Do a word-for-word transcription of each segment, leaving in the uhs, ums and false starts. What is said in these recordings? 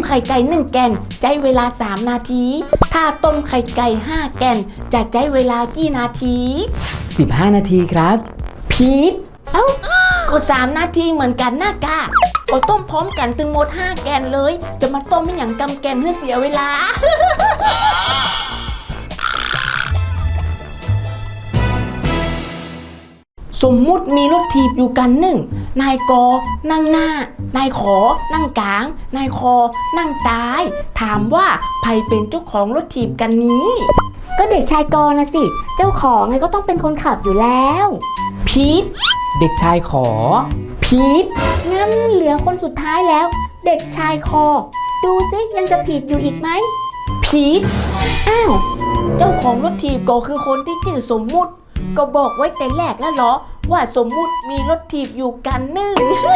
ไข่ไก่หนึ่งแกนใช้เวลาสามนาทีถ้าต้มไข่ไก่ห้าแกนจะใช้เวลากี่นาทีสิบห้านาทีครับผิดเอ้าก็สามนาทีเหมือนกันนะกะก็ต้มพร้อมกันถึงหมดห้าแกนเลยจะมาต้มไม่อย่างกำแกนเพื่อเสียเวลา สมมุติมีรถถีบอยู่กันหนึ่งนายกนั่งหน้านายขอนั่งกลางนายคอนั่งท้ายถามว่าใครเป็นเจ้าของรถถีบกันนี้ก็เด็กชายกนะสิเจ้าของไงก็ต้องเป็นคนขับอยู่แล้วผิดเด็กชายขอผิดงั้นเหลือคนสุดท้ายแล้วเด็กชายคอดูสิยังจะผิดอยู่อีกไหมผิดอ้าวเจ้าของรถถีบก็คือคนที่ชื่อสมมุติก็บอกไว้แต่แรกแล้วเหรอว่าสมมุติมีรถถีบอยู่กันหนึ่ง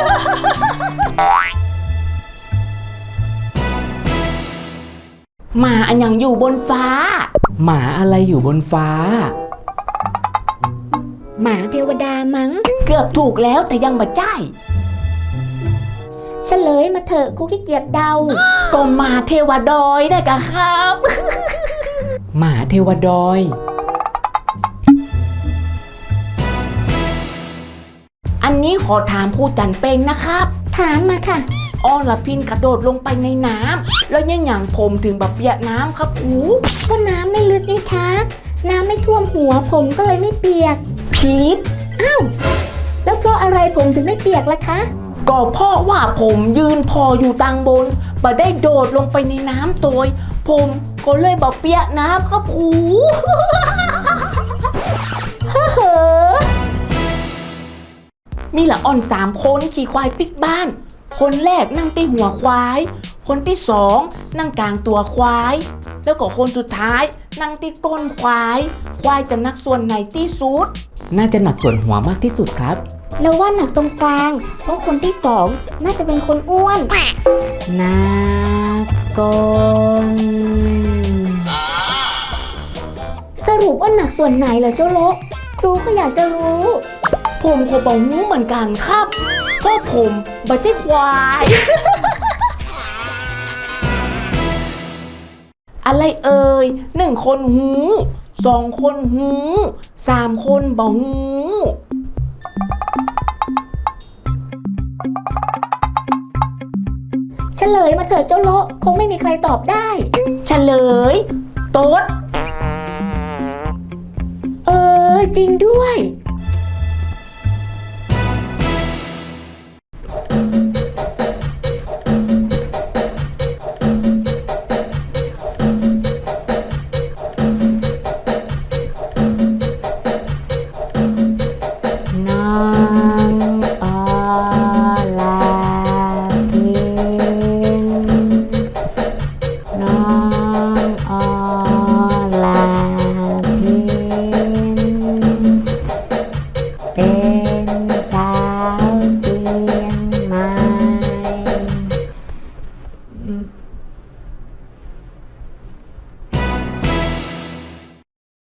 หมาอันยังอยู่บนฟ้าหมาอะไรอยู่บนฟ้าหมาเทวดามั้งเกือบถูกแล้วแต่ยังบ่จ่ายเฉลยมาเถอะครูขี้เกียจเดาก็หมาเทวดอยได้กะครับหมาเทวดอยอันนี้ขอถามครูจันเปงนะครับถามมาค่ะอรพินกระโดดลงไปในน้ำแล้วยังหยังผมถึงแบบเปียกน้ำครับครูก็น้ำไม่ลึกนี่คะน้ำไม่ท่วมหัวผมก็เลยไม่เปียกผิดอ้าวแล้วเพราะอะไรผมถึงไม่เปียกล่ะคะก็เพราะว่าผมยืนพออยู่ตังบนบ่ได้โดดลงไปในน้ำตัวผมก็เลยแบบเปียกน้ำครับครูเฮ้อมีละอ่อนสามคนขี่ควายปิกบ้านคนแรกนั่งที่หัวควายคนที่สองนั่งกลางตัวควายแล้วก็คนสุดท้ายนั่งที่ก้นควายควายจะนักส่วนไหนที่สุดน่าจะหนักส่วนหัวมากที่สุดครับแล้วว่าหนักตรงกลางเพราะคนที่สองน่าจะเป็นคนอ้วนหนักก้นสรุปว่าหนักส่วนไหนเหรอเจ้าโลครูก็อยากจะรู้ผมก็บอกงูเหมือนกันครับก็ผมบัจเจควาย อะไรเอ่ยหนึ่งคนหูสองคนหูสามคนบ่หูเฉลยมาเถิดเจ้าโลคงไม่มีใครตอบได้เฉลยโต๊ดเออจริงด้วย